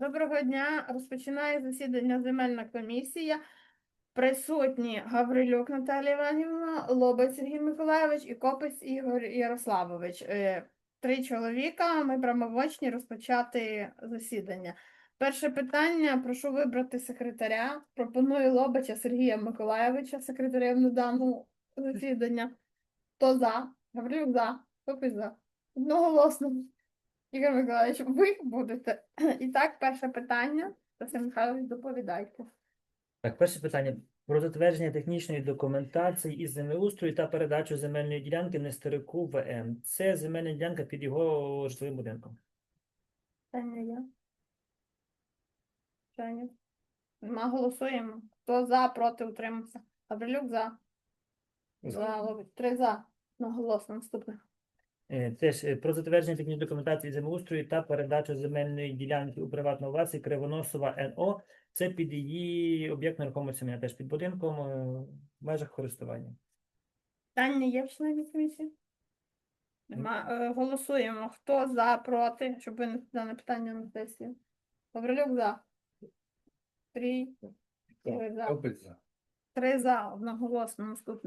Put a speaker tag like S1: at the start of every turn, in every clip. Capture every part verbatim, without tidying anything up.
S1: Доброго дня. Розпочинає засідання земельна комісія. Присутні Гаврилюк Наталія Іванівна, Лобець Сергій Миколайович і Копець Ігор Ярославович. Е, Три чоловіка. Ми правомочні розпочати засідання. Перше питання. Прошу вибрати секретаря. Пропоную Лобача Сергія Миколайовича, секретарем на даному засідання. Хто за? Гаврилюк за. Копець за. Одноголосно. Ігор Миколаївич, ви будете. І так, перше питання. Василь Михайлович, доповідайте.
S2: Так, перше питання. Про затвердження технічної документації із землеустрою та передачу земельної ділянки Нестерику В М. Це земельна ділянка під його житловим будинком.
S1: Питання є? Питання? Нема, голосуємо. Хто за, проти, утримався. Гаврилюк за. За, Лобич. Три за. Наголосно. Наступне.
S2: Е, Теж е, про затвердження технічної документації із землеустрою та передачу земельної ділянки у приватну власність Кривоносова Н О. Це під її об'єкт нерухомості, мене теж під будинком е, в межах користування.
S1: Питання є в членів комісії? Нема. Е, Голосуємо. Хто за, проти, щоб винести дане питання на сесію. Гаврилюк за. Три. Ігор за.
S3: Копець за.
S1: Три за. Одноголосно. Наступне.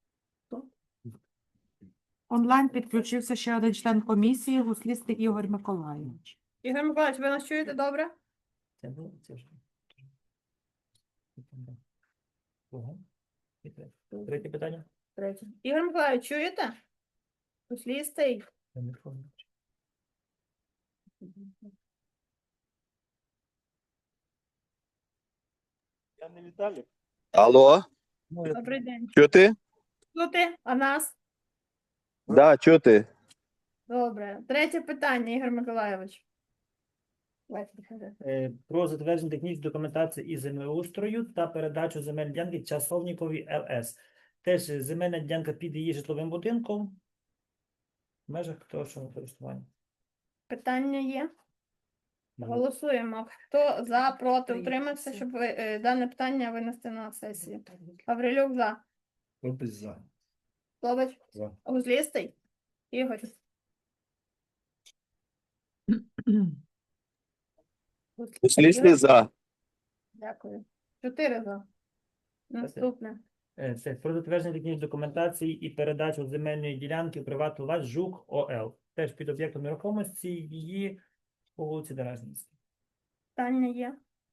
S4: Онлайн підключився ще один член комісії, Гуслістий Ігор Миколайович.
S1: Ігор Миколаївич, ви нас чуєте добре?
S2: Це було, це вже. Друге. І третє. Третє питання.
S1: Третє. Ігор Миколаївич, чуєте? Послістий.
S2: Я не пам'ятаю.
S3: Я не Віталік.
S5: Алло,
S2: Ну, я-
S1: Добрий день.
S5: чути?
S1: Чути? А нас?
S5: Да, чути.
S1: Добре. Третє питання, Ігор Миколаївич. Давайте, приходи.
S2: Е, Про затвердження технічної документації із землеустрою та передачу земельної ділянки Часовнікові Л С. Теж е, земельна ділянка під її житловим будинком в межах того, що на користування.
S1: Питання є? Голосуємо. Хто за, проти, утримався, щоб ви- е, дане питання винести на сесію. Гаврилюк за.
S3: Копець за.
S1: Лобач.
S3: За.
S1: Гузлістий. Ігор.
S5: Услісний за.
S1: Дякую. Чотири за. Наступне.
S2: Е, Це про затвердження технічної документації і передачу земельної ділянки в приватну власність ЖУК О Л. Теж під об'єктом нерухомості її по вулиці Деражнівській.
S1: Питання є?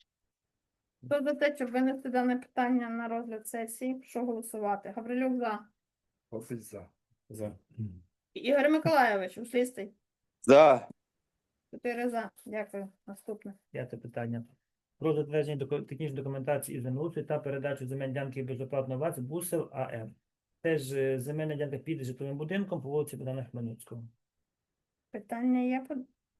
S1: Хто за те, щоб винести дане питання на розгляд сесії, прошу голосувати. Гаврилюк за.
S3: Копець за. За.
S1: Ігор Миколайович, услістий.
S5: За.
S1: Чотири за. Дякую. Наступне.
S2: П'яте питання. Про затвердження доку- технічної документації із землеустрою та передачу земельної ділянки безоплатної власності Бусел А М. Теж е, земельна ділянка під житловим будинком по вулиці Богдана Хмельницького.
S1: Питання є? по-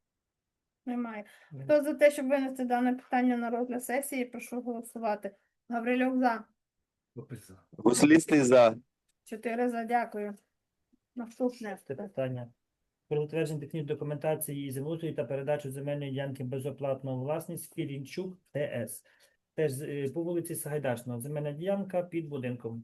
S1: Немає.
S2: Ні.
S1: Хто за те, щоб винести дане питання на розгляд сесії, прошу голосувати. Гаврилюк за.
S3: Копець за.
S5: Гуслістий за.
S1: Чотири за. Дякую. Наступне.
S2: Це питання. Про затвердження технічної документації із землеустрою та передачу земельної ділянки безоплатної власність Філінчук Т С. Теж е, по вулиці Сагайдачного. Земельна ділянка під будинком.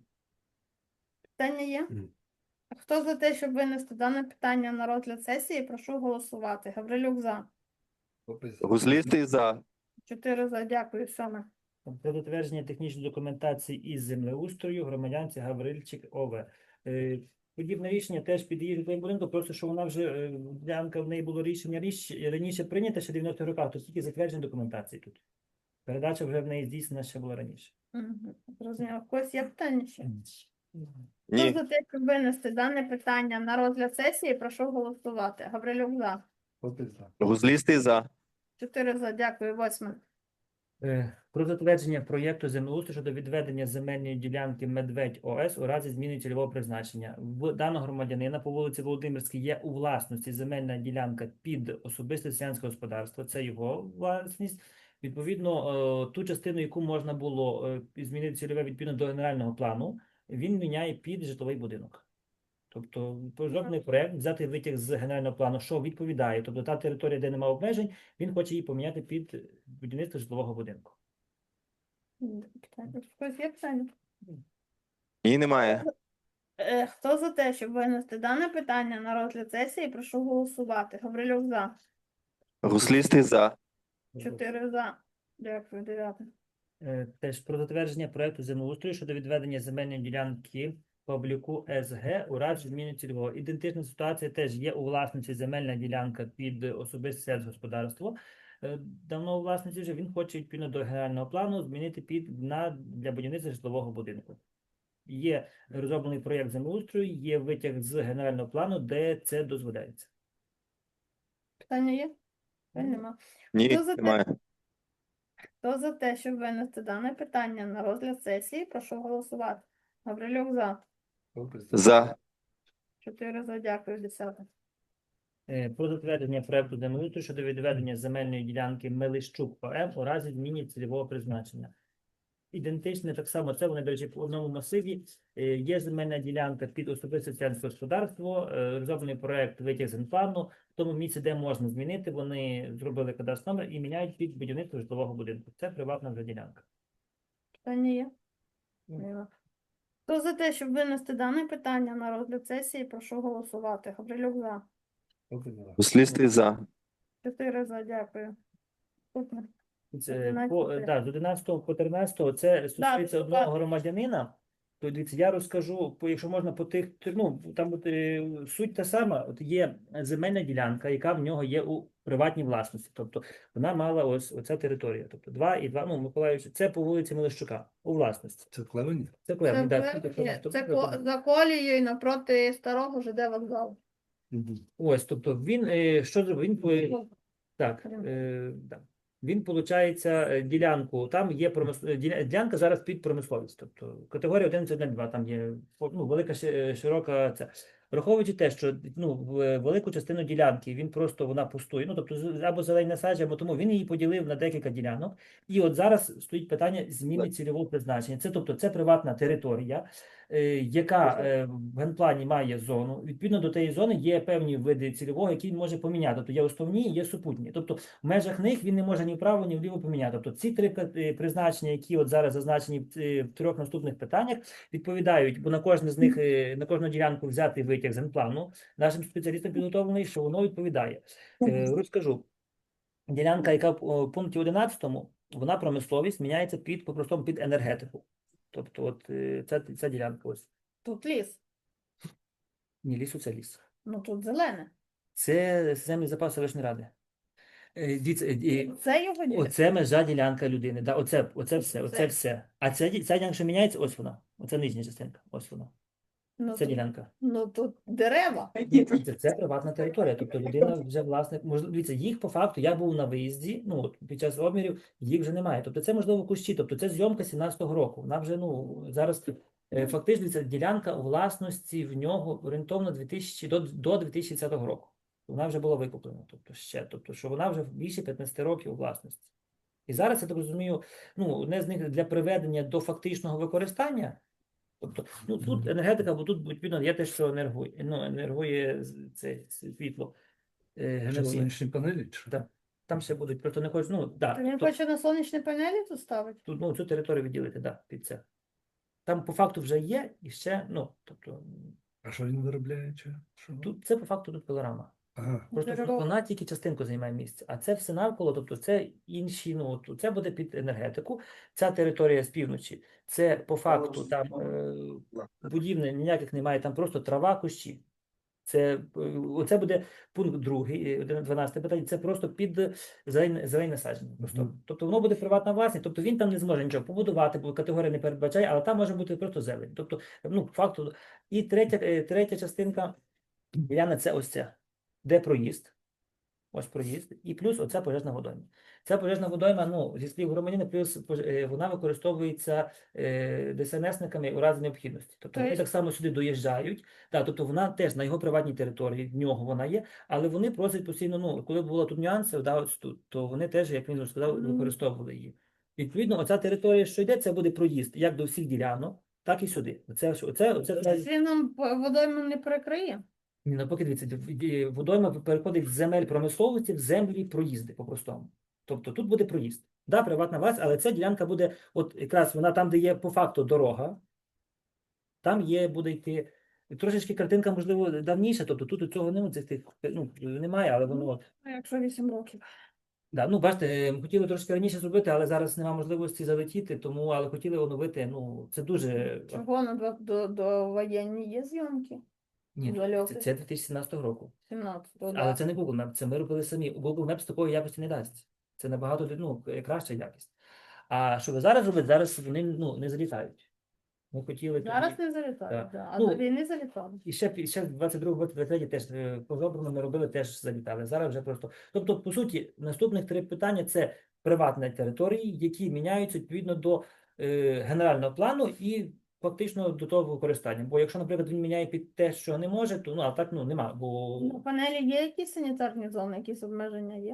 S1: Питання є?
S3: Ні.
S1: Хто за те, щоб винести дане питання на розгляд сесії, прошу голосувати. Гаврилюк за.
S3: Копець за.
S5: Гуслістий за.
S1: Чотири за. Дякую. Сьоме.
S2: Про затвердження технічної документації із землеустрою громадянці Гаврильчик О В. Е, Подібне рішення теж під її житловим будинком, просто що вона вже, е, ділянка в неї було рішення річ, раніше прийнято, ще в дев'яностих роках, то тільки затвердження документації тут. Передача вже в неї здійснена ще була раніше.
S1: Мгм. Зрозуміло. В когось є питання ще? Хто
S5: Ні.
S1: за те, щоб винести дане питання на розгляд сесії, прошу голосувати. Гаврилюк за.
S3: Копець за.
S5: Гуслістий за.
S1: Чотири за. Дякую. Восьме.
S2: Е, Про затвердження проєкту землеустрою щодо відведення земельної ділянки Медведь О С у разі зміни цільового призначення. В даного громадянина по вулиці Володимирській є у власності земельна ділянка під особисте селянське господарство. Це його власність. Відповідно, е, ту частину, яку можна було е, змінити цільове відповідно до генерального плану, він міняє під житловий будинок. Тобто розроблений проєкт, взяти витяг з генерального плану, що відповідає. Тобто та територія, де немає обмежень, він хоче її поміняти під будівництво житлового будинку.
S1: Питання. В когось є питання?
S5: Ні, немає.
S1: Е, Хто за те, щоб винести дане питання на розгляд сесії, прошу голосувати. Гаврилюк за.
S5: Гуслістий за.
S1: Чотири за. Дякую, дев'яте.
S2: Е, Теж про затвердження проекту землеустрою щодо відведення земельної ділянки по обліку С Г у разі зміни цільового. Ідентична ситуація теж є у власниці земельна ділянка під особисте сільськогосподарство. Е, Давно у власниці вже він хоче відповідно до генерального плану змінити під на для будівництва житлового будинку. Є розроблений проєкт землеустрою, є витяг з генерального плану, де це дозволяється.
S1: Питання є? Питань нема.
S5: Ні,
S1: Хто за те?
S5: немає.
S1: Хто за те, щоб винести дане питання на розгляд сесії, прошу голосувати. Гаврилюк за.
S3: Попис
S5: За.
S1: Чотири за. Дякую, десяте.
S2: Е, Про затвердження проекту землеустрою щодо відведення земельної ділянки Мелищук О М у разі зміни цільового призначення. Ідентичне так само, це вони, до речі, по одному масиві. Е, Є земельна ділянка під особисте селянське господарство, е, розроблений проект витяг з генплану. В тому місці, де можна змінити, вони зробили кадастровий номер і міняють під будівництво житлового будинку. Це приватна вже ділянка.
S1: Питання є?
S2: Ні.
S1: Нема. Хто за те, щоб винести дане питання на розгляд сесії, прошу голосувати. Гаврилюк за.
S3: за.
S5: Гуслістий за.
S1: Чотири за. Дякую. Наступне.
S2: Це,
S1: одинадцяте.
S2: по, е, да, з одинадцятого по тринадцятого це стосується
S1: так,
S2: одного
S1: так.
S2: громадянина. То дивіться, я розкажу, по, якщо можна по тих, ну, там от, е, суть та сама, от є земельна ділянка, яка в нього є у приватній власності. Тобто вона мала ось оця територія. Тобто два і два, ну, Миколаївич, це по вулиці Мелищука, у власності.
S3: Це клевені?
S2: Це клевні,
S1: Це,
S2: да,
S1: це,
S2: тут, якщо-
S1: це
S2: тобто,
S1: ко- за колією напроти старого ЖД вокзалу.
S2: ось, тобто він, е, що зробив? Він, по-
S1: Ну,
S2: Так,
S1: Прям.
S2: е, да. Він, виходить, ділянку, там є промис... діля- ділянка зараз під промисловість, тобто категорія одинадцять два, там є ну, велика, ши- широка ця. Враховуючи те, що ну, в- велику частину ділянки він просто, вона пустує, ну, тобто з- або зелені насадження, або тому він її поділив на декілька ділянок. І от зараз стоїть питання зміни цільового призначення. Це, тобто, це приватна територія, е, яка е, в генплані має зону. Відповідно до тієї зони є певні види цільового, які він може поміняти. Тобто є основні, є супутні. Тобто в межах них він не може ні вправо, ні вліво поміняти. Тобто ці три е, призначення, які от зараз зазначені в е, в трьох наступних питаннях, відповідають, бо на кожне з них, е, на кожну ділянку взяти витяг з генплану, нашим спеціалістам підготовлений, що воно відповідає. Е, Розкажу. Ділянка, яка в о, пункті одинадцятому, вона промисловість міняється під, по-простому, під енергетику. Тобто от е, ця, ця ділянка ось.
S1: Тут ліс.
S2: Ні, лісу це ліс.
S1: Ну тут зелене.
S2: Це землі запаси Селищної ради. Е, дивіться, е, е,
S1: Це його ділянка.
S2: Оце межа ділянка людини. Да, оце, оце все, оце
S1: Це.
S2: все. А ця, ді- ця ділянка, що міняється, ось вона. Оце нижня частинка. Ось вона.
S1: Ну,
S2: Це
S1: тут,
S2: ділянка.
S1: ну тут дерева.
S2: Це, це приватна територія. Тобто людина вже власник. Можливо, дивіться, їх по факту, я був на виїзді, ну от під час обмірів їх вже немає. Тобто це можливо кущі. Тобто це зйомка сімнадцятого року. Вона вже ну зараз е, фактично ця ділянка у власності в нього орієнтовно дві тисячі до, до дві тисячі двадцятого року. Вона вже була викуплена. Тобто ще, тобто, що вона вже більше п'ятнадцяти років у власності. І зараз я так розумію, ну одне з них для приведення до фактичного використання. Тобто, ну тут енергетика, бо тут відповідно є те, що енергує, ну, енергує з- це світло. Е,
S3: Що,
S2: генерує.
S3: сонячні панелі? чи що?
S2: Да. Там ще будуть, просто не хочу, ну, да,
S1: Він
S2: то-
S1: хоче на сонячні панелі тут ставити?
S2: тут, ну, цю територію виділити, да, під це. Там по факту вже є, і ще, ну, тобто,
S3: А що він виробляє? Чи? Що?
S2: тут, це по факту тут пилорама.
S3: Ага.
S2: Просто
S1: Дерево.
S2: вона тільки частинку займає місце, а це все навколо, тобто це інші, ну, от, це буде під енергетику, ця територія з півночі, це по факту там е, будівель ніяких немає, там просто трава, кущі. Це, е, оце буде пункт другий, е, дванадцяте питання, це просто під зелені, зелені насадження. Просто.
S3: Мгм.
S2: Тобто воно буде приватна власність, тобто він там не зможе нічого побудувати, бо категорія не передбачає, але там може бути просто зелень. Тобто, ну, по факту. І третя, е, третя частинка, Яна, це ось ця, де проїзд. Ось проїзд, і плюс оця пожежна водойма. Ця пожежна водойма, ну, зі слів громадянина, плюс пож- е, вона використовується е, ДСНСниками у разі необхідності. Тобто вони
S1: Тобто-
S2: так само сюди доїжджають, да, тобто вона теж на його приватній території, в нього вона є, але вони просять постійно, ну, коли були тут нюанси, да, ось тут, то вони теж, як він вже сказав,
S1: Мгм.
S2: використовували її. Відповідно, оця територія, що йде, це буде проїзд як до всіх ділянок, так і сюди. Оце, оце, оце, оце
S1: Він нам по- водойму не перекриє?
S2: ні, навпаки, дивіться, в- е, водойма переходить з земель промисловості в землі проїзди по-простому. Тобто тут буде проїзд. Да, приватна власність, але ця ділянка буде, от якраз вона там, де є по факту дорога, там є, буде йти. Трошечки картинка, можливо, давніша, тобто тут цього немає, цих тих, ну, немає, але воно.
S1: А якщо вісім років?
S2: Да, ну, бачите, е, ми хотіли трошки раніше зробити, але зараз немає можливості залетіти, тому, але хотіли оновити, ну, це дуже...
S1: Чого на два до, до воєнні є зйомки?
S2: Ні, це,
S1: Зальоти?
S2: це дві тисячі сімнадцятого року.
S1: сімнадцятого,
S2: Але
S1: да.
S2: це не Google Maps, це ми робили самі. Google Maps такої якості не дасть. Це набагато ну, краща якість. А що ви зараз робите, зараз вони ну, не залітають. Ми хотіли
S1: Зараз
S2: тоді...
S1: не залітають,
S2: Так.
S1: да. а
S2: Ну,
S1: до війни залітали.
S2: І ще, і ще в двадцять другому двадцять третьому теж е, по жоброму ми робили, теж залітали. Зараз вже просто. Тобто, по суті, наступних три питання це приватні території, які міняються відповідно до е, генерального плану і фактично до того використання. Бо якщо, наприклад, він міняє під те, що не може, то ну а так ну нема. Бо
S1: На панелі є якісь санітарні зони, якісь обмеження є?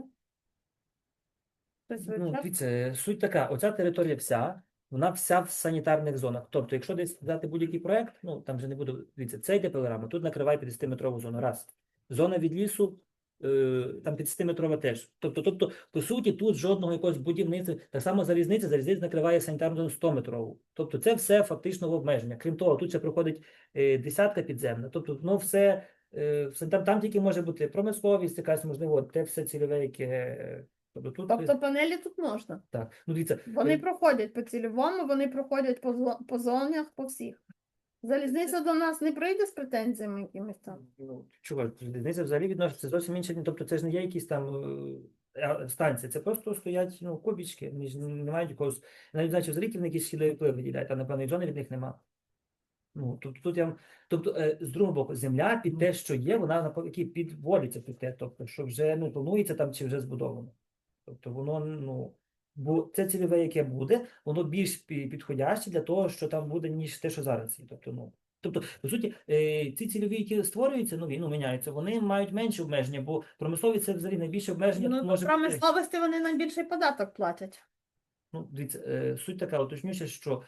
S1: Хтось
S2: ну,
S1: вивчав?
S2: дивіться, суть така: оця територія вся. Вона вся в санітарних зонах. Тобто, якщо десь взяти будь-який проект, ну там же не буде, дивіться, це йде пилорама, тут накриває п'ятдесятиметрову зону. Раз. Зона від лісу, е, там п'ятдесятиметрова теж. Тобто, тобто, по суті, тут жодного якогось будівництва. Так само залізниця, залізниця накриває санітарну зону сто-метрову. Тобто, це все фактично в обмеження. Крім того, тут ще проходить е, десятка підземна. Тобто, ну все, е, все там, там тільки може бути промисловість, якась можливо, те все цільове, яке. е, Тобто, тут, е,
S1: Тобто панелі тут можна.
S2: так. Ну, дивіться,
S1: Вони
S2: е,
S1: проходять по цільовому, вони проходять по, зо- по зонах, по всіх. Залізниця до нас не прийде з претензіями якимись там.
S2: Ну, чого, різниця взагалі відноситься зовсім інше. Тобто це ж не є якісь там е, а, станції, це просто стоять ну, кубічки, вони ж не мають якогось, я навіть знаю, що взагалі вони якісь східові впливи виділяють, а напевно зони від них нема. Ну, тобто тут я вам- тобто, е, з другого боку, земля під те, що є, вона навпаки підводиться під те, тобто, що вже ну, планується там чи вже збудовано. Тобто воно, ну, бо це цільове, яке буде, воно більш пі- підходяще для того, що там буде, ніж те, що зараз є. Тобто, ну, тобто, по суті, е, ці цільові, які створюються, нові, ну, міняються, вони мають менше обмеження, бо промислові це взагалі найбільше обмеження
S1: Ну,
S2: тут
S1: до
S2: може бути.
S1: промисловості вони найбільший податок платять.
S2: Ну, дивіться, е, суть така, уточнюся, що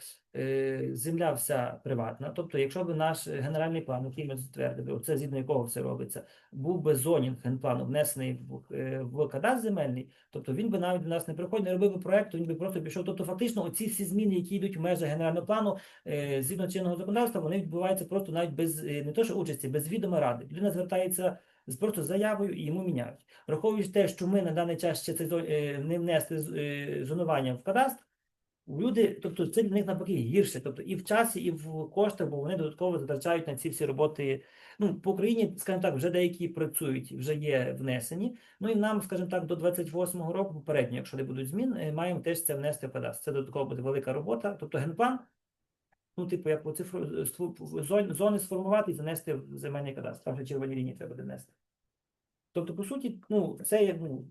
S2: е, земля вся приватна. Тобто, якщо б наш генеральний план, який ми затвердили, оце згідно якого все робиться, був би зонінг генплану внесений в, е, в кадастр земельний, тобто він би навіть до нас не приходив, не робив би проекту, він би просто пішов. Тобто, фактично, оці всі зміни, які йдуть в межах генерального плану, е, згідно чинного законодавства, вони відбуваються просто навіть без е, не то, що участі, без відома ради. Людина звертається з просто заявою і йому міняють. Враховуючи те, що ми на даний час ще це зо- е, не внесли з- е, зонування в кадастр, люди, тобто це для них навпаки гірше, тобто і в часі, і в коштах, бо вони додатково затрачають на ці всі роботи. Ну, по Україні, скажімо так, вже деякі працюють, вже є внесені. Ну і нам, скажімо так, до двадцять восьмого року, попередньо, якщо не будуть змін, е, маємо теж це внести в кадастр. Це додатково буде велика робота. Тобто генплан, ну, типу, як по цифру е, ству- зон- зони сформувати і занести в земельний кадастр. Там вже червоні лінії треба буде внести. Тобто, по суті, ну, це є ну,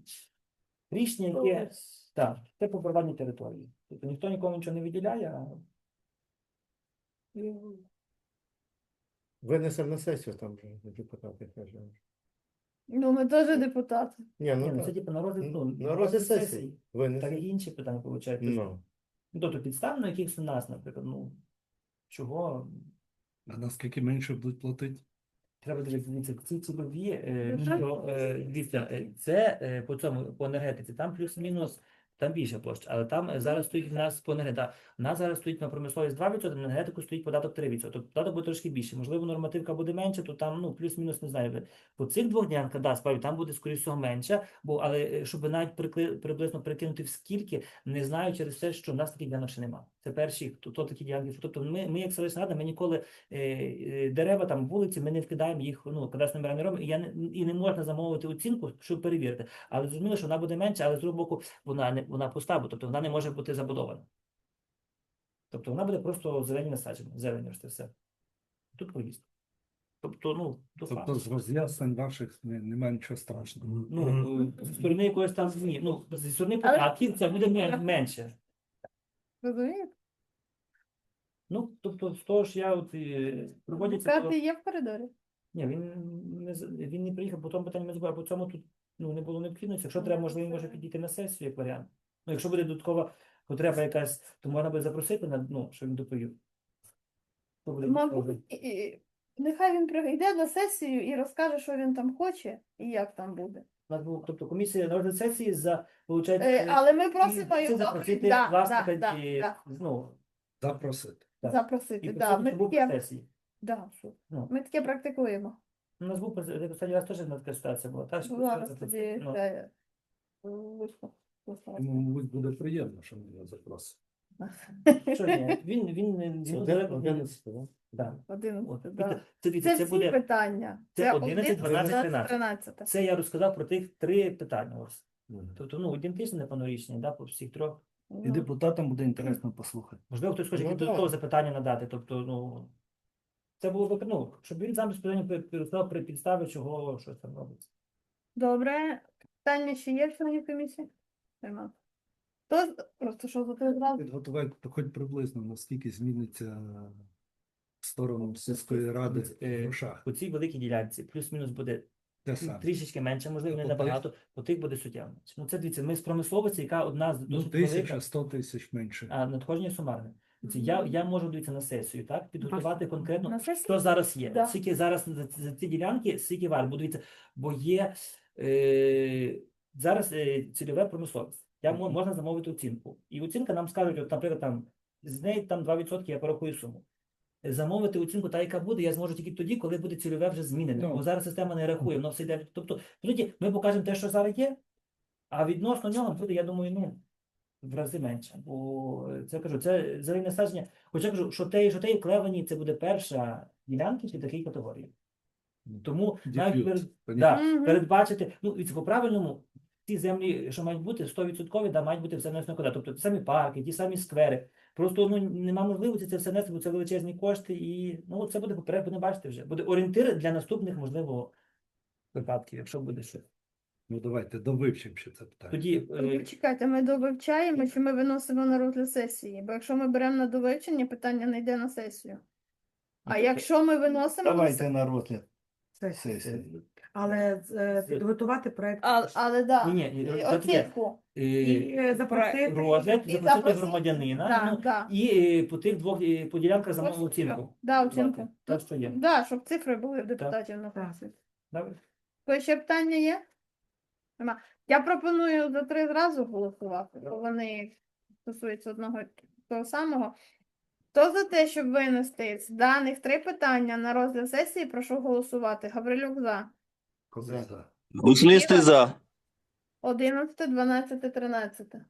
S2: рішення, яке так, це по приватній території. Тобто ніхто нікому нічого не виділяє, а
S6: Винесемо на сесію там вже депутати кажуть.
S1: Ну, ми теж депутати.
S6: Ні,
S2: ні,
S6: ну
S2: ну, це
S6: так.
S2: типу на розгляд, ну,
S6: На розгляд
S2: сесії.
S6: сесії.
S2: Так
S6: Винесемо.
S2: і інші питання виходить.
S6: Ну.
S2: Ну, тобто підстав на якихось у нас, наприклад, ну, чого
S3: А наскільки менше будуть платити?
S2: треба дивитися, ці цільові, е,
S1: Ну,
S2: що, е, дивіться, е, це е, по цьому, по енергетиці, там плюс-мінус, там більше площа, але там е, зараз стоїть в нас по енергетиці, да, у нас зараз стоїть на промисловість два відсотки, на енергетику стоїть податок три відсотки, тобто податок буде трошки більше, можливо, нормативка буде менше, то там, ну, плюс-мінус, не знаю, по цих двох ділянках, да, справді, там буде, скоріше всього, менше, бо, але е, щоб навіть прикли, приблизно прикинути в скільки, не знаю через те, що в нас таких ділянок ще немає. Це перші, хто, хто такі ділянки, тобто ми, ми як селищна рада, ми ніколи е, е, дерева, там, вулиці, ми не вкидаємо їх, ну, кадастровим номера не робимо, і, я не, і не можна замовити оцінку, щоб перевірити. Але зрозуміло, що вона буде менше, але з другого боку, вона, не, вона пуста, бо тобто вона не може бути забудована. Тобто вона буде просто зелені насадження, зелені ось це все. Тут поїзд. Тобто, ну, то
S3: Тобто
S2: факт.
S3: з роз'яснень ваших не- немає нічого страшного.
S2: Ну, е, зі сторони якоїсь там змі, ну, зі сторони
S1: Але-
S2: податків це буде мен- менше.
S1: Розумієте?
S2: Ну, тобто, з того ж я от е, проводяться.
S1: Адвокати є в коридорі.
S2: Ні, він не з- він не приїхав, по тому питанню ми забули, а по цьому тут ну, не було необхідності. Якщо треба, можливо, він може підійти на сесію як варіант. Ну, якщо буде додаткова потреба якась, то можна буде запросити на ну, щоб він доповів. Хто буде
S1: Мабуть,
S2: доповідати?
S1: і- і- нехай він прийде на сесію і розкаже, що він там хоче і як там буде.
S2: У нас був, тобто комісія на розгляд сесії за виходить,
S1: Е, але ми просимо
S2: це
S1: його
S2: запросити
S1: да,
S2: власника
S1: да,
S2: і,
S1: да,
S2: ну,
S3: Запросити.
S2: так.
S1: запросити.
S2: і
S1: Да, ми,
S2: присутній був на
S1: таке,
S2: сесії.
S1: да, що-
S2: Ну.
S1: ми таке практикуємо.
S2: У нас був останній раз теж така ситуація була. Так, що
S1: Була
S2: просто
S1: тоді
S2: ну,
S1: це виступ.
S3: Йому, мабуть, буде приємно, що мене запросить.
S2: Що ні? Він, він, він,
S6: Це
S2: він,
S6: один-
S2: він,
S6: одинадцятий, да?
S2: да. От,
S1: Одинадцяте, да.
S2: Віта, це, дивіться,
S1: Це
S2: це
S1: всі
S2: буде,
S1: питання.
S2: це одинадцять, дванадцять,
S1: тринадцять.
S2: тринадцять. Це я розказав про тих три питання. Ось.
S6: Мгм.
S2: Тобто, ну, ідентичне, напевно, рішення, да, по всіх трьох.
S3: І
S1: Ну,
S3: депутатам буде інтересно послухати.
S2: Можливо, хтось хоче
S6: Ну,
S2: якісь
S6: так.
S2: додаткові запитання надати. Тобто, ну, це було б, ну, щоб він сам безпосередньо розказав при підставі, чого щось там робиться.
S1: Добре. Питання ще є в членів комісії? Нема. Хто з- просто що за три зразу?
S3: Підготувати хоч приблизно, наскільки зміниться в сторону сільської ради в
S2: Е,
S3: грошах.
S2: По цій великій ділянці плюс-мінус буде
S3: Те саме.
S2: трішечки менше, можливо, не
S3: А по тих?
S2: набагато, по тих буде суттєво менше. Ну, це дивіться, ми з промисловості, яка одна з
S3: Ну,
S2: досить
S3: тисяча,
S2: велика,
S3: сто тисяч менше.
S2: а надходження сумарне. Дивіться, Я, я можу дивитися на сесію, так, підготувати конкретно,
S1: На сесію?
S2: що зараз є.
S1: Да.
S2: Скільки зараз за, за ці ділянки, скільки варто. Бо дивіться, бо є е, зараз е, цільове промисловість. Я, мо- можна замовити оцінку. І оцінка нам скажуть, от, наприклад, там, з неї там два відсотки, я порахую суму. Замовити оцінку, та яка буде, я зможу тільки тоді, коли буде цільове вже змінене.
S3: Ну.
S2: Бо зараз система не рахує, воно все йде. Тобто, по суті, ми покажемо те, що зараз є, а відносно нього буде, я думаю, ну, в рази менше. Бо е, це кажу, це зелене насадження. Хоча я кажу, що те, що те в Клевені, це буде перша ділянка під такій категорії. Тому навіть
S3: Деф'ют.
S2: перед,
S3: Понятно?
S2: да,
S1: Мгм.
S2: передбачити, ну, і по правильному, ті землі, що мають бути, сто відсотків, да, мають бути все внесено куди. Тобто ті самі парки, ті самі сквери. Просто ну, нема можливості це все нести, бо це величезні кошти, і ну, це буде поперед, будемо бачити вже. Буде орієнтир для наступних, можливо, випадків, якщо буде щось.
S3: Ну давайте довивчимо ще це питання.
S2: Тоді
S1: Ви
S2: е,
S1: Чекайте, ми довивчаємо, чи ми виносимо на розгляд сесії? Бо якщо ми беремо на довивчення, питання не йде на сесію. А
S2: тобто,
S1: якщо ми виносимо на
S3: Давайте
S1: се-
S3: на розгляд
S4: Це-
S3: сесії.
S4: Але е,
S2: Це-
S4: підготувати проект
S1: А, але да,
S2: Ні, ні,
S1: і
S2: це таке.
S1: оцінку.
S2: е,
S4: і е, запросити.
S2: розгляд,
S1: І
S2: запросити
S1: запросити.
S2: громадянина,
S1: Да,
S2: ну,
S1: да.
S2: і е, по тих двох е, по ділянках замовили оцінку.
S1: Да, оцінку.
S2: Давати. Так, що є.
S1: Да, щоб цифри були в депутатів на
S4: Так.
S1: фракції.
S2: Добре?
S1: То ще питання є? Нема. Я пропоную за три зразу голосувати, бо вони стосуються одного і того самого. Хто за те, щоб винести з даних три питання на розгляд сесії, прошу голосувати. Гаврилюк за.
S3: Коза за.
S5: Гуслістий за.
S1: одинадцяте, дванадцяте, тринадцяте.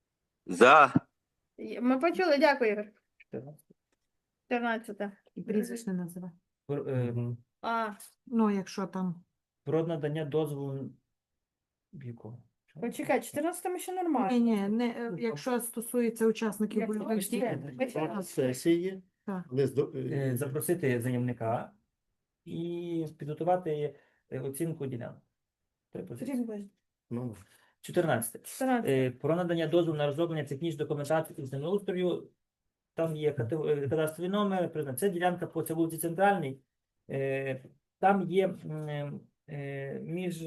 S5: За.
S1: Є- Ми почули, дякую, Ігор.
S2: чотирнадцяте.
S1: чотирнадцяте.
S4: І прізвище називе.
S2: Про, е,
S1: А,
S4: Ну, якщо там.
S2: про надання дозволу віку.
S1: почекай, чотирнадцяте ми ще нормально.
S4: Ні, ні, не, е, якщо стосується учасників
S1: Як
S4: бойових
S1: хочете.
S4: дій.
S1: Почекай.
S6: На сесії.
S4: Так.
S6: Лист до-
S2: Е, запросити заявника і підготувати е, оцінку ділянок. Три позиції.
S1: Сергій
S6: Ну,
S2: чотирнадцяте.
S1: чотирнадцяте.
S2: Е, Про надання дозволу на розроблення технічної документації із землеустрою. Там є кате- е, кадастровий номер, призна- це ділянка по цій вулиці Центральній. Е, Там є м, е, між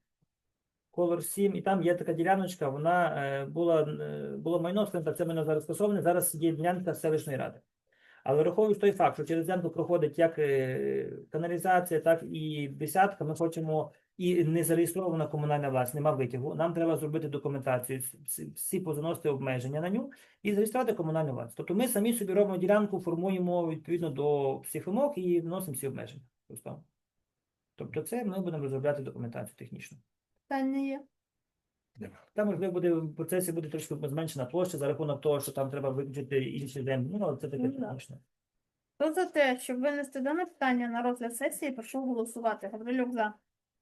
S2: Колор сім, і там є така діляночка, вона е, була, е, було майно, скажімо так, це майно зараз скасоване, зараз є ділянка селищної ради. Але враховуючи той факт, що через ділянку проходить як е, каналізація, так і десятка, ми хочемо і не зареєстрована комунальна власність, нема витягу. Нам треба зробити документацію, всі- всі позаносити обмеження на ню і зареєструвати комунальну власність. Тобто ми самі собі робимо ділянку, формуємо відповідно до всіх вимог і вносимо всі обмеження. Просто. Тобто це ми будемо розробляти документацію технічну.
S1: Питання є.
S2: Там, можливо, буде в процесі буде трошки зменшена площа за рахунок того, що там треба виключити інші землі. Ну, але це таке
S1: Ну, да.
S2: технічне.
S1: Хто за те, щоб винести дане питання на розгляд сесії, прошу голосувати. Гаврилюк за.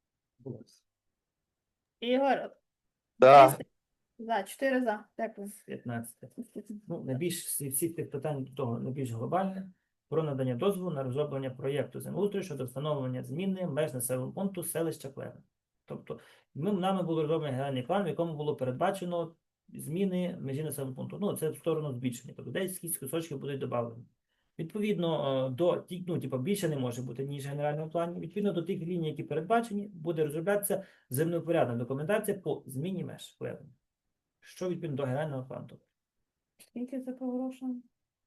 S1: Ігор.
S5: За.
S1: За, чотири за. Дякую.
S2: п'ятнадцяте. Ну, найбільш всі, всі тих питань до того найбільш глобальне. Про надання дозволу на розроблення проєкту землеустрою щодо встановлення зміни меж населеного пункту селища Клевен. Тобто, ми, нами було розроблений генеральний план, в якому було передбачено зміни межі населеного пункту. Ну, це в сторону збільшення. Тобто, деякі кусочки будуть додавлені. Відповідно, е, до ті- ну, типу, більше не може бути, ніж в генеральному плані. Відповідно до тих ліній, які передбачені, буде розроблятися землевпорядна документація по зміні меж Клевен. Що відповідно до генерального плану.
S1: Скільки це по грошам?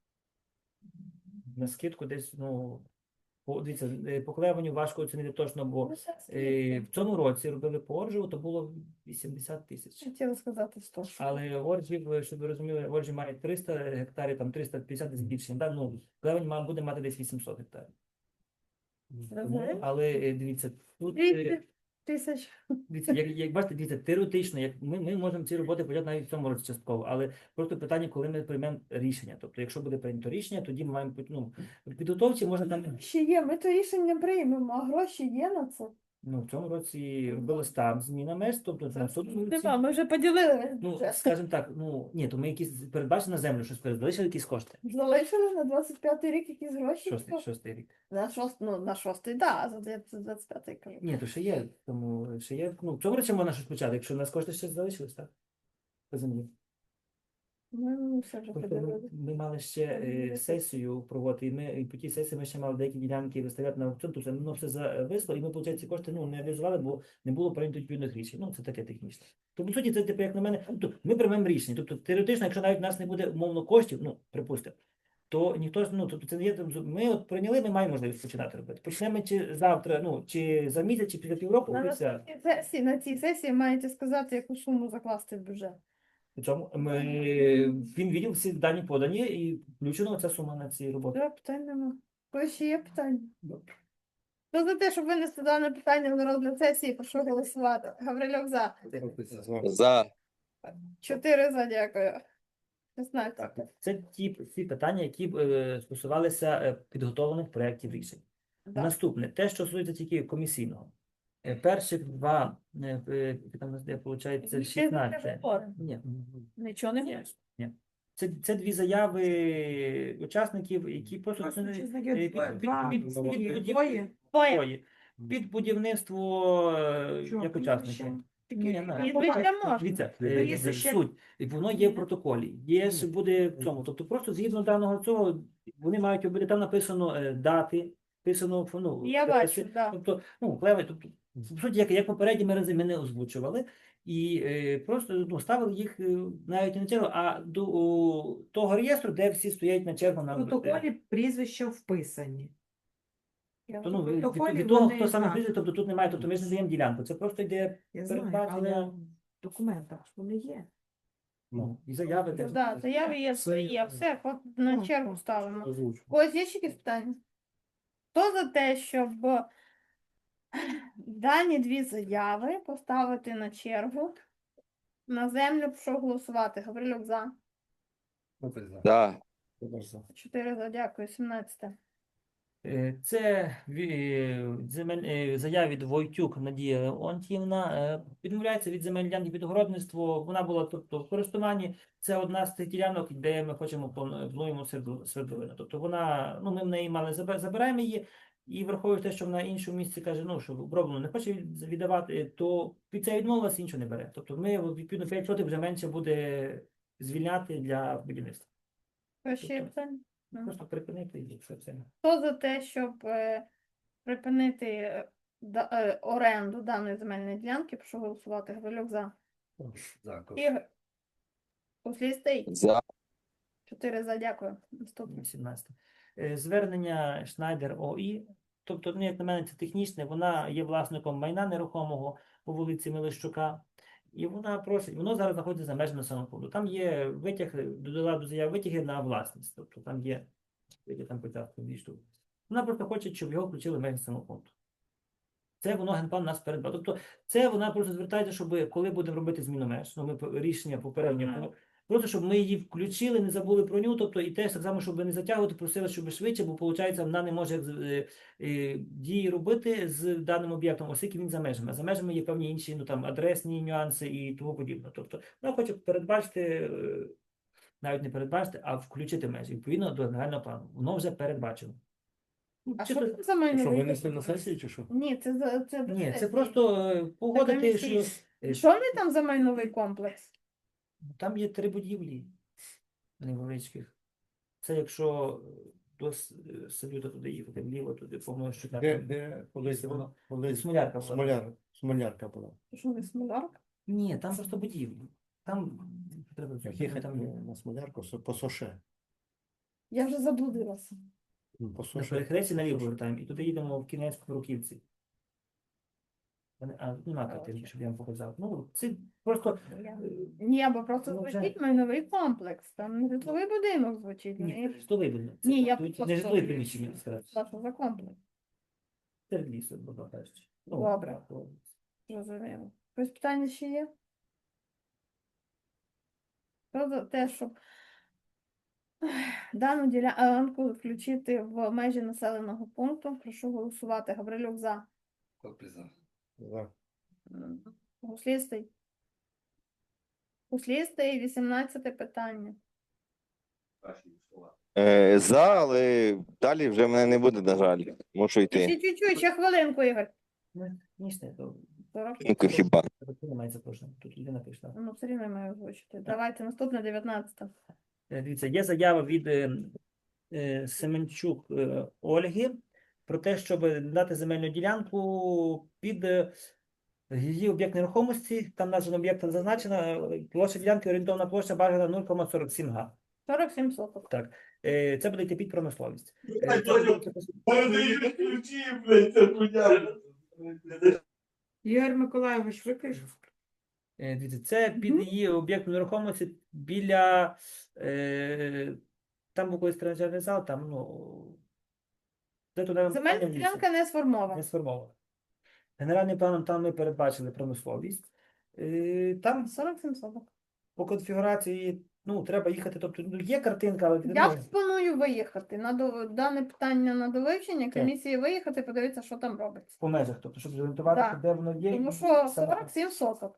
S2: На скидку десь, ну, по, дивіться, е, по Клевеню важко оцінити точно, бо
S1: Ну, це
S2: е,
S1: скільки?
S2: в цьому році робили по Оржеву, то було вісімдесят тисяч.
S1: Хотіла сказати сто.
S2: Але Оржів, е, щоб ви розуміли, Оржів має триста гектарів, там триста п'ятдесят десь більше. Да? Ну, Клевень має, буде мати десь вісімсот гектарів. Тому,
S1: Розумію.
S2: але е, дивіться, тут
S1: Двісті.
S2: е,
S1: тисяч.
S2: Дивіться, як, як бачите, дивіться, теоретично, як ми, ми можемо ці роботи почати навіть в цьому році частково, але просто питання, коли ми приймемо рішення. Тобто, якщо буде прийнято рішення, тоді ми маємо ну, в підготовці можна там
S1: Ще є, ми то рішення приймемо, а гроші є на це.
S2: ну, в цьому році робили там зміна меж, тобто на наступному році.
S1: Нема, ми вже поділили весь
S2: Ну,
S1: бюджет.
S2: скажімо так, ну ні, то ми якісь передбачили на землю, щось залишили якісь кошти.
S1: Залишили на двадцять п'ятий рік якісь гроші?
S2: Шостий, шостий рік.
S1: На шостий, ну, на шостий, да, за двадцять п'ятий кажу.
S2: Ні, то ще є, тому ще є. Ну, в цьому році можна щось почати, якщо у нас кошти ще залишились, так? По землі.
S1: Ми все вже
S2: Просто ми,
S1: поділили.
S2: ми мали ще е, сесію проводити, і ми і по тій сесії ми ще мали деякі ділянки виставляти на аукціон, тобто воно все зависло, і ми, виходить, ці кошти ну, не реалізували, бо не було прийнято відповідних рішень. Ну, це таке технічне. Тому, по суті, це, типу, як на мене, тобто, ми приймемо рішення. Тобто, теоретично, якщо навіть в нас не буде умовно коштів, ну, припустимо, то ніхто ж, ну, тобто, це не є, ми от прийняли, ми маємо можливість починати робити. Почнемо чи завтра, ну, чи за місяць, чи після півроку,
S1: На
S2: і все.
S1: наступній сесії, на цій сесії маєте сказати, яку суму закласти в бюджет.
S2: Причому ми, він відділ всі дані подані, і включено ця сума на ці роботи.
S1: Все, питань нема. Коли ще є питання? Хто за те, щоб винести дане питання на розгляд сесії, прошу голосувати. Гаврилюк за.
S5: За.
S1: Чотири за, дякую. шістнадцять.
S2: Так, це ті, ті питання, які е, стосувалися е, підготовлених проєктів рішень.
S1: Да.
S2: Наступне, те, що стосується тільки комісійного. Е, перших два, е, е, там, у нас де, виходить,
S1: Ще
S2: шістнадцять.
S1: закрили.
S2: Ні,
S1: Нічого не
S2: ні,
S1: хочеш?
S2: ні. Це, це дві заяви учасників, які просто це не- е, під, під,
S4: Два,
S2: під, під,
S4: двоє.
S2: під,
S4: Двоє.
S1: Двоє.
S2: Двоє. Під будівництво е,
S4: Що,
S2: як
S4: прізвище?
S2: учасники.
S4: Такі,
S2: Ні, ну,
S1: Прізвище можна.
S2: Дивіться,
S4: Прізвище
S2: е,
S4: ще-
S2: суть. І воно є в протоколі. Є ж буде в цьому. Тобто просто згідно даного цього, вони мають бути там написано е, дати, написано ну,
S1: Я
S2: адреси.
S1: бачу, да.
S2: Тобто, ну, клеви, тобто, в суті, як, як попередні рази ми не озвучували. І е, просто ну, ставили їх е, навіть не на чергу, а до о, того реєстру, де всі стоять на чергу на
S4: В протоколі прізвища вписані.
S1: Я
S2: То, ну, від, від,
S4: протоколі
S2: від того,
S4: вони
S2: хто саме
S4: знають.
S2: прийде, тобто тут немає, тобто ми ж не даємо ділянку. Це просто йде
S4: Я знаю, але
S2: передбачення.
S4: в документах ж вони є.
S2: Ну, і заяви
S1: Ну,
S2: теж.
S1: да, заяви є, все є, все, от на
S4: Ну,
S1: чергу
S4: так.
S1: ставимо.
S6: Озвучу.
S1: У когось є ще якісь питання? Хто за те, щоб дані дві заяви поставити на чергу на землю, прошу голосувати. Гаврилюк за.
S5: За.
S1: Чотири за, дякую, сімнадцяте.
S2: Е, Це ві- земель, е, заява від Войтюк Надія Леонтіївна. Е, Відмовляється від земель ділянки під огородництво. Вона була тобто, в користуванні. Це одна з тих ділянок, де ми хочемо плану- плануємо сверду- свердловину. Тобто вона, ну, ми в неї мали забе- забираємо її. І враховуючи те, що вона іншому місці каже, ну, що оброблено не хоче від- віддавати, то під це відмовилася, нічого не бере. Тобто ми, відповідно, п'ять сотих вже менше буде звільняти для будівництва.
S1: Хто ще є питання? Ну.
S2: Просто припинити і все це.
S1: Хто за те, щоб е, припинити е, да- е, оренду даної земельної ділянки, прошу голосувати. Гаврилюк за.
S3: Дякую.
S1: Ігор. Услістий.
S5: За.
S1: Чотири за, дякую. Наступне.
S2: сімнадцяте. Е, Звернення Шнайдер ОІ, тобто, ну, як на мене, це технічне, вона є власником майна нерухомого по вулиці Мелищука, і вона просить, воно зараз знаходиться за межами населеного пункту. Там є витяг, додала до заяви витяги на власність, тобто там є, які там початку дві штуки. Вона просто хоче, щоб його включили в межі населеного пункту. Це воно генплан нас передбав. Тобто це вона просто звертається, щоб коли будемо робити зміну меж, ну ми по- рішення попередньо, просто щоб ми її включили, не забули про нього, тобто і теж так само, щоб не затягувати, просили, щоб швидше, бо виходить, вона не може е, е, дії робити з даним об'єктом, оскільки він за межами. А за межами є певні інші ну, там, адресні нюанси і тому подібне. Тобто вона хоче передбачити, е, навіть не передбачити, а включити межі відповідно до загального плану. Воно вже передбачено. Ну,
S1: А
S2: чисто-
S1: що це за
S6: Що,
S1: майновий
S6: винесли на
S1: комплекс?
S6: сесію чи що?
S1: Ні, це за це до
S2: Ні, це
S1: сесії.
S2: просто е, погодити, що
S1: комісійно.
S2: е,
S1: Що вони там за майновий комплекс?
S2: там є три будівлі невеличких. Це якщо до С- е, салюта туди їхати, вліво, туди, по-моєму, що
S6: Де,
S2: там.
S6: де колись
S2: воно-
S6: воно, колись
S2: Смолярка була.
S6: смоляр, смолярка була.
S1: Що не смолярка?
S2: Ні, там просто будівлі. Там треба
S6: Їхати
S2: там є.
S6: на смолярку со- по соше.
S1: Я вже заблудилася.
S6: По
S2: На
S6: соше.
S2: перехресті наліво повертаємо, і туди їдемо в кінець в Руківці. Вони- А, нема картинки, щоб я вам показав. Ну, це просто. е,
S1: Ні, бо просто
S2: Ну, вже-
S1: звучить майновий комплекс. Там не житловий будинок звучить.
S2: Ні,
S1: Ні,
S2: це житловий будинок. Це
S1: Ні, я
S2: тут
S1: просто-
S2: не житлові приміщення, сказати.
S1: що за комплекс?
S2: Серед лісу, будь кажучи. Ну,
S1: Добре.
S2: так, то
S1: Зрозуміло. Якось питання ще є? Хто за те, щоб дану ділянку включити в межі населеного пункту? Прошу голосувати. Гаврилюк за.
S3: Копи за.
S6: За.
S1: Гуслістий. Гуслістий, вісімнадцяте питання.
S5: Е, За, але далі вже мене не буде, на жаль. Мушу
S1: Ще
S5: йти.
S1: чуть-чуть, ще хвилинку, Ігор.
S2: Ну, ніж не, то
S1: сорок.
S5: Ну, хіба.
S2: тут немає запрошення. Тут людина прийшла.
S1: Ну, все рівно я маю озвучити. Давайте, наступне дев'ятнадцяте.
S2: Е, Дивіться, є заява від е, е, Семенчук е, Ольги про те, щоб дати земельну ділянку під е, її об'єкт нерухомості. Там назва об'єкта зазначена. е, Площа ділянки, орієнтовна площа бажана нуль кома сорок сім га.
S1: сорок сім соток.
S2: Так. Е, Це буде йти під промисловість. Е, це буде-
S4: Ігор Миколайович, виключив.
S2: Е, Дивіться, це під її об'єкт нерухомості біля е, там був колись тренажерний зал, там, ну, де туди
S1: Земельна ділянка не сформована.
S2: не сформовано. Генеральним планом там ми передбачили промисловість. Е, Там
S1: сорок сім соток.
S2: по конфігурації, ну, треба їхати, тобто, ну, є картинка, але
S1: Я
S2: ну,
S1: пропоную виїхати на до... дане питання на довивчення, комісії виїхати, подивитися, що там робиться.
S2: по межах, тобто, щоб зорієнтуватися,
S1: Так.
S2: де воно є.
S1: Тому
S2: і
S1: що
S2: саме-
S1: сорок сім соток.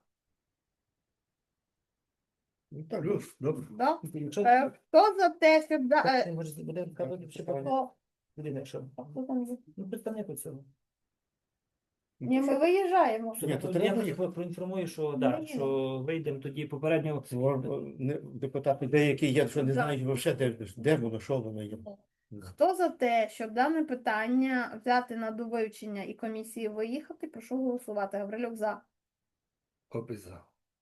S6: Ну, так,
S3: Плюс, добре.
S1: Да?
S2: Якщо
S1: Е, Хто за те, щоб... Да...
S2: Так,
S1: е,
S2: може, буде казати, що
S1: Хто?
S2: людина, якщо
S1: Хто там є?
S2: ну, представник у цьому.
S1: Ні, ми виїжджаємо.
S6: Ні, то
S2: Я
S6: треба-
S2: їх проінформую, що, да,
S1: Ні.
S2: що вийдемо тоді попередньо.
S6: Не- Депутати деякі є, що не
S1: Да.
S6: знають взагалі, де, де воно, що воно є.
S1: Хто за те, щоб дане питання взяти на довивчення і комісії виїхати, прошу голосувати. Гаврилюк за.
S3: Копи за.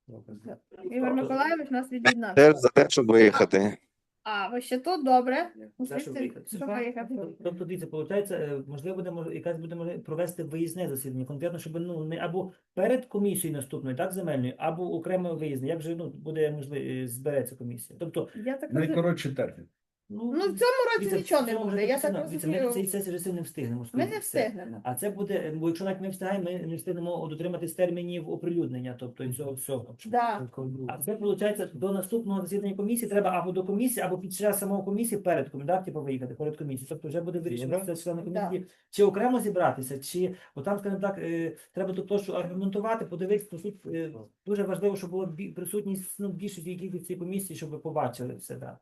S1: Ігор Миколайович нас від'єднав.
S5: Теж за те, щоб виїхати.
S1: А, ви ще тут? Добре.
S2: За що виїхати?
S1: Щоб виїхати.
S2: Тобто, дивіться, виходить, можливо, буде мож- якась буде можливість провести виїзне засідання, конкретно, щоб ну не або перед комісією наступною, так, земельною, або окремо виїзне. Як же ну буде можливо збереться комісія? Тобто,
S1: Я так розумію.
S3: Найкоротший термін.
S2: ну,
S1: Ну, в цьому році
S2: дивіться,
S1: нічого
S2: в
S1: не
S2: цьому
S1: буде.
S2: вже
S1: Я так
S2: написано, дивіться, ми
S1: розумію.
S2: цієї сесії вже не встигнемо.
S1: Ми
S2: скоріше
S1: не
S2: все.
S1: встигнемо.
S2: А це буде, бо якщо навіть ми встигаємо, ми не встигнемо дотриматись термінів оприлюднення, тобто і цього всього.
S1: Да.
S2: А це виходить, до наступного засідання комісії треба або до комісії, або під час самого комісії перед комісією, да, типу виїхати перед комісією. Тобто вже буде вирішено
S6: да.
S2: це члени
S1: Да.
S2: комісії, чи окремо зібратися, чи отам, скажімо так, е, треба ту площу аргументувати, подивитися, по суті, е, дуже важливо, щоб була бі- присутність ну, більшості кількості цієї комісії, щоб ви побачили все. Да.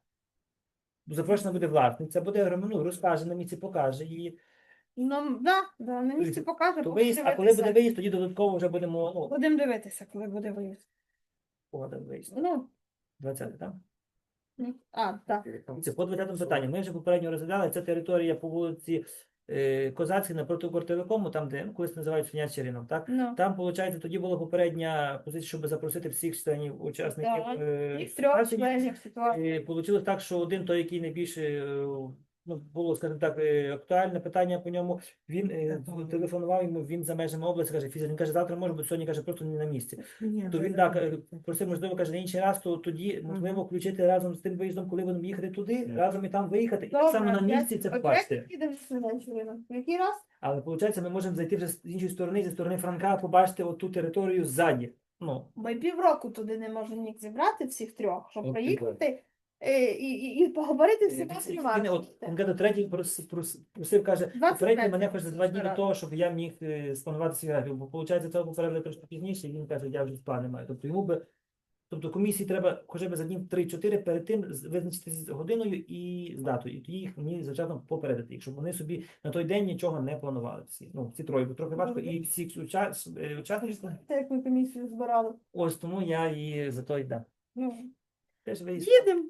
S2: Бо запрошена буде власниця, буде ну, розкаже на місці, покаже її.
S1: Ну, да, да, на місці покаже,
S2: То
S1: поки
S2: виїзд, а коли
S1: дивитися.
S2: буде виїзд, тоді додатково вже будемо, ну,
S1: Будемо дивитися, коли буде виїзд.
S2: погода виїзд.
S1: Ну,
S2: двадцяте, так?
S1: ні. А, так.
S2: Це по двадцятому питанню. Ми вже попередньо розглядали. Це територія по вулиці е, Козацькій напроти Кортовикому, там, де ну, колись називають свинячий ринок. Так?
S1: Ну,
S2: Там, виходить, тоді була попередня позиція, щоб запросити всіх членів учасників.
S1: Так.
S2: е,
S1: їх трьох
S2: ситуації.
S1: членів ситуації.
S2: Е, Получилось так, що один той, який найбільше е, ну, було, скажімо так, е, актуальне питання по ньому, він е, телефонував йому, він за межами області, каже, фізично, він каже, завтра може бути, сьогодні, каже, просто не на місці. То він так е, просив, можливо, каже, на інший раз, то тоді можливо включити разом з тим виїздом, коли будемо їхати туди, разом і там виїхати, і так само на місці це
S1: От
S2: побачити.
S1: як їдемо з Свинячого? Який раз?
S2: Але виходить, ми можемо зайти вже з іншої сторони, зі сторони Франка, побачити оту територію ззаді. Ну,
S1: Ми півроку туди не можемо ніг зібрати всіх трьох, щоб
S3: От
S1: приїхати е, і, і, і поговорити з
S2: Він,
S1: всіма
S2: він, от, конкретно третій прос- прос- просив, каже,
S1: двадцять
S2: попередньо
S1: п'ять
S2: мене хоче за два дні до
S1: збирати.
S2: того, щоб я міг е, спланувати свій графік, бо виходить, цього попередили трошки пізніше, і він каже, я вже плани маю. Тобто йому би, тобто комісії треба хоча б за днів три-чотири перед тим з- визначити з годиною і з датою, і тоді їх мені завчасно попередити, якщо вони собі на той день нічого не планували. Всі, ну, ці троє, бо трохи важко, і всі уча- е, учасники,
S1: Це як ми комісію збирали.
S2: ось тому я і за той дам.
S1: Ну,
S2: Теж виїзд.
S1: їдемо.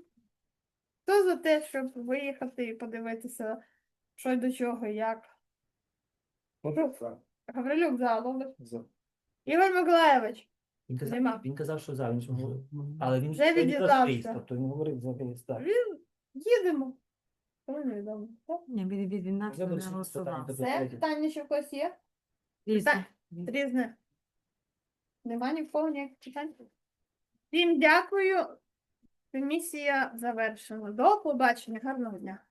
S1: Хто за те, щоб виїхати і подивитися, що й до чого, і як. Гаврилюк за, Лобиш.
S6: За.
S1: Ігор Миколайович.
S2: Він казав,
S1: Нема.
S2: він казав, що за, він ж говорив. Але він
S1: Вже
S2: він казав
S1: від'їжджався.
S2: виїзд, тобто він говорив за виїзд, так.
S1: Він їдемо. Коли невідомо. Так?
S4: Ні, від, від, від нас
S2: Вже
S4: не
S2: буде ще
S4: голосував.
S2: питання, тобто
S1: Все,
S2: третє.
S1: питання ще в когось є?
S4: Різне.
S1: Різне. Нема ні в кого ніяких питань? Всім дякую. Комісія завершена. До побачення. Гарного дня.